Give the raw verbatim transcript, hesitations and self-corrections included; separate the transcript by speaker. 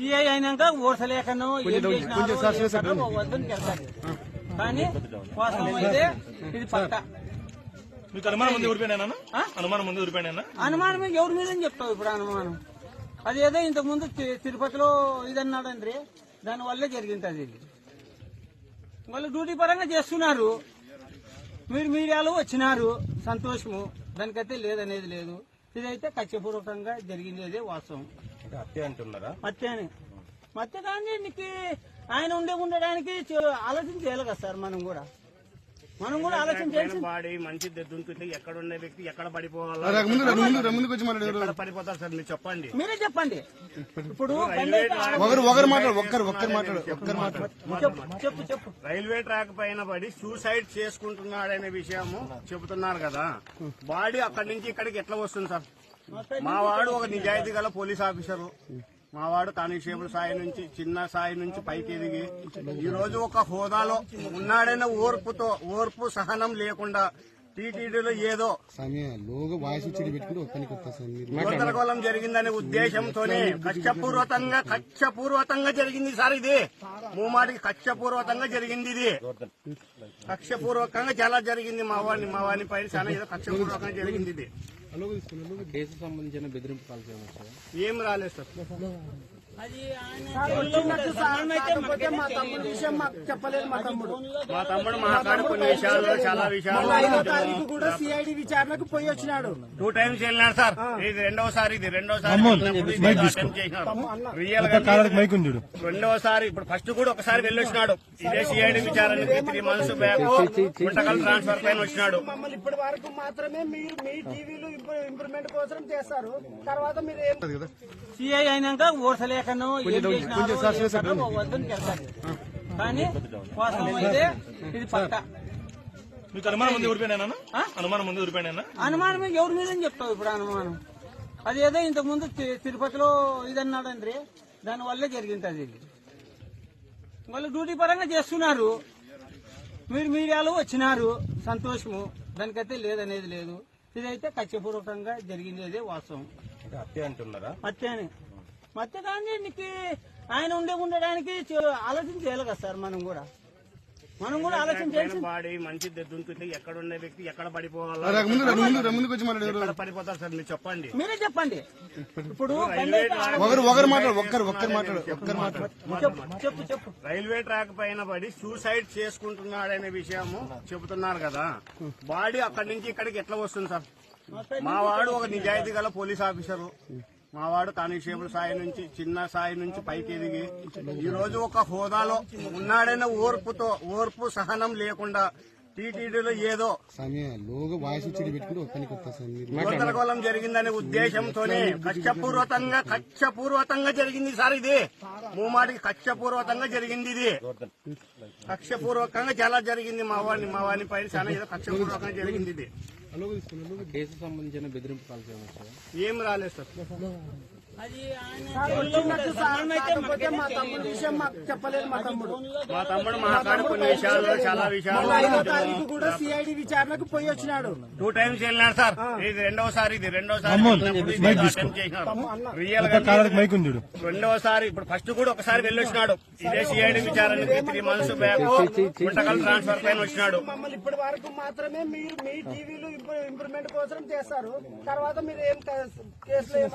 Speaker 1: CI అయినాక ఓర్సలేకనో ఏం చేసినారో వద్దని వెళ్తారు. కానీ వాస్తవం అయితే ఇది పక్క.
Speaker 2: మీకు అనుమానం ఉంది ఊరిపోయినా? అనుమానం ఉంది ఊరిపోయినా?
Speaker 1: అనుమానం ఎవరి మీద చెప్తావు ఇప్పుడు అనుమానం? అదేదో ఇంతకు ముందు తిరుపతిలో ఇదన్నాడండి, దాని వల్లే జరిగింది. అది వాళ్ళు డ్యూటీ పరంగా చేస్తున్నారు, మీరు మీడియాలో వచ్చినారు, సంతోషము. దానికైతే లేదనేది లేదు. ఇదైతే కక్షపూర్వకంగా జరిగింది, అదే వాస్తవం.
Speaker 2: హత్య అంటున్నారా?
Speaker 1: హత్య అని హత్య కానీ నీకు ఆయన ఉండే ఉండడానికి ఆలోచన చేయాలి కదా సార్. మనం కూడా మనం కూడా ఆలోచన చేయాలి.
Speaker 3: బాడీ మంచి దుంకుతే ఎక్కడ ఉండే వ్యక్తి ఎక్కడ పడిపోవాలి, పడిపోతారు సార్ మీరు చెప్పండి.
Speaker 1: మీరే చెప్పండి. ఇప్పుడు చెప్పు చెప్పు
Speaker 3: రైల్వే ట్రాక్ పైన పడి సూసైడ్ చేసుకుంటున్నాడనే విషయము చెబుతున్నారు కదా. బాడీ అక్కడి నుంచి ఇక్కడికి ఎట్లా వస్తుంది సార్? మా వాడు ఒక నిజాయితీ గల పోలీస్ ఆఫీసరు, మా వాడు కానిస్టేబుల్ స్థాయి నుంచి చిన్న స్థాయి నుంచి పైకి ఎదిగి ఈ రోజు ఒక హోదాలో ఉన్నాడైన ఓర్పుతో ఓర్పు సహనం లేకుండా టీటీడీలో ఏదో గందరగోళం జరిగిందనే ఉద్దేశంతోనే కక్షపూర్వకంగా కక్షపూర్వకంగా జరిగింది సార్. ఇది మూమాటికి కక్షపూర్వకంగా జరిగింది. ఇది కక్షపూర్వకంగా చాలా జరిగింది. మా వాడిని మా వాడిని పైన చాలా ఏదో కక్షపూర్వకంగా జరిగింది. ఇది
Speaker 2: కేసు సంబంధించిన బెదిరింపు కాల్
Speaker 3: ఏం రాలేదు సార్.
Speaker 4: మా తమ్ముడు విషయం మాకు చెప్పలేదు. మా తమ్ముడు
Speaker 3: మా తమ్ముడు మా కాడ కొన్ని విషయాల్లో చాలా విషయాలు
Speaker 4: ఐదో తారీఖు కూడా సిఐడి విచారణకు పోయి వచ్చినాడు.
Speaker 3: టూ టైమ్స్ వెళ్ళినాడు సార్. ఇది రెండోసారి ఇది రెండోసారి రియల్ గా రెండోసారి. ఇప్పుడు ఫస్ట్ కూడా ఒకసారి వెళ్ళి వచ్చినాడు. ఇదే సిఐడి విచారణకి three months back Guntakal transfer పైన వచ్చినాడు.
Speaker 4: మమ్మల్ని ఇప్పటి వరకు మాత్రమే మీరు మీ టీవీలు ఇంప్రూవ్మెంట్ కోసం చేస్తారు. తర్వాత మీరు ఏం
Speaker 1: సిఐ అయినాక ఓర్సలేకనో ఏం చేసినారో వద్దని వెళ్తారు. కానీ వాస్తవం అయితే ఇది పక్క.
Speaker 2: మీకు అనుమానం ఉంది ఊరిపోయినా? అనుమానం ఉంది ఊరిపోయినా?
Speaker 1: అనుమానం ఎవరి మీద చెప్తావు ఇప్పుడు అనుమానం? అదేదో ఇంతకు ముందు తిరుపతిలో ఇదన్నాడండి, దాని వల్లే జరిగింది. అది వాళ్ళు డ్యూటీ పరంగా చేస్తున్నారు, మీరు మీడియాలో వచ్చినారు, సంతోషము. దానికైతే లేదనేది లేదు. ఇదైతే కక్షపూర్వకంగా జరిగింది, అదే వాస్తవం.
Speaker 2: హత్య అంటున్నారా?
Speaker 1: హత్య అని హత్య కానీ నీకు ఆయన ఉండే ఉండడానికి ఆలోచన చేయాలి కదా సార్. మనం కూడా మనం కూడా ఆలోచన చేయాలి.
Speaker 3: బాడీ మంచి దుంకుతే ఎక్కడ ఉండే వ్యక్తి ఎక్కడ పడిపోవాలి, పడిపోతారు సార్ మీరు చెప్పండి.
Speaker 1: మీరే చెప్పండి. ఇప్పుడు చెప్పు చెప్పు
Speaker 3: రైల్వే ట్రాక్ పైన పడి సూసైడ్ చేసుకుంటున్నాడనే విషయము చెబుతున్నారు కదా. బాడీ అక్కడి నుంచి ఇక్కడికి ఎట్లా వస్తుంది సార్? మా వాడు ఒక నిజాయితీ గల పోలీస్ ఆఫీసరు, మా వాడు కానిస్టేబుల్ స్థాయి నుంచి చిన్న స్థాయి నుంచి పైకి ఎదిగి ఈ రోజు ఒక హోదాలో ఉన్నాడైన ఓర్పుతో ఓర్పు సహనం లేకుండా టీటీడీలో ఏదో గందరగోళం జరిగిందనే ఉద్దేశంతోనే కక్షపూర్వకంగా కక్షపూర్వకంగా జరిగింది సార్. ఇది మూమాటికి కక్షపూర్వకంగా జరిగింది. ఇది కక్షపూర్వకంగా చాలా జరిగింది. మా వాడిని మా వాడిని పైన చాలా ఏదో కక్షపూర్వకంగా జరిగింది. ఇది
Speaker 2: కేసు సంబంధించిన బెదిరింపు కాల్
Speaker 3: ఏం రాలేదు సార్.
Speaker 4: మా తమ్ముడు విషయం మాకు చెప్పలేదు. మా తమ్ముడు
Speaker 3: మా తమ్ముడు మా కాడ కొన్ని విషయాల్లో చాలా విషయాలు
Speaker 4: ఐదో తారీఖు కూడా సిఐడి విచారణకు పోయి వచ్చినాడు.
Speaker 3: టూ టైమ్స్ వెళ్ళినాడు సార్. ఇది రెండోసారి ఇది రెండోసారి రియల్ గా రెండోసారి. ఇప్పుడు ఫస్ట్ కూడా ఒకసారి వెళ్ళి వచ్చినాడు. ఇదే సిఐడి విచారణకి three months back Guntakal transfer పైన వచ్చినాడు.
Speaker 4: మమ్మల్ని ఇప్పటి వరకు మాత్రమే మీరు మీ టీవీలు ఇంప్రూవ్మెంట్ కోసం చేస్తారు. తర్వాత మీరు ఏం కేసులు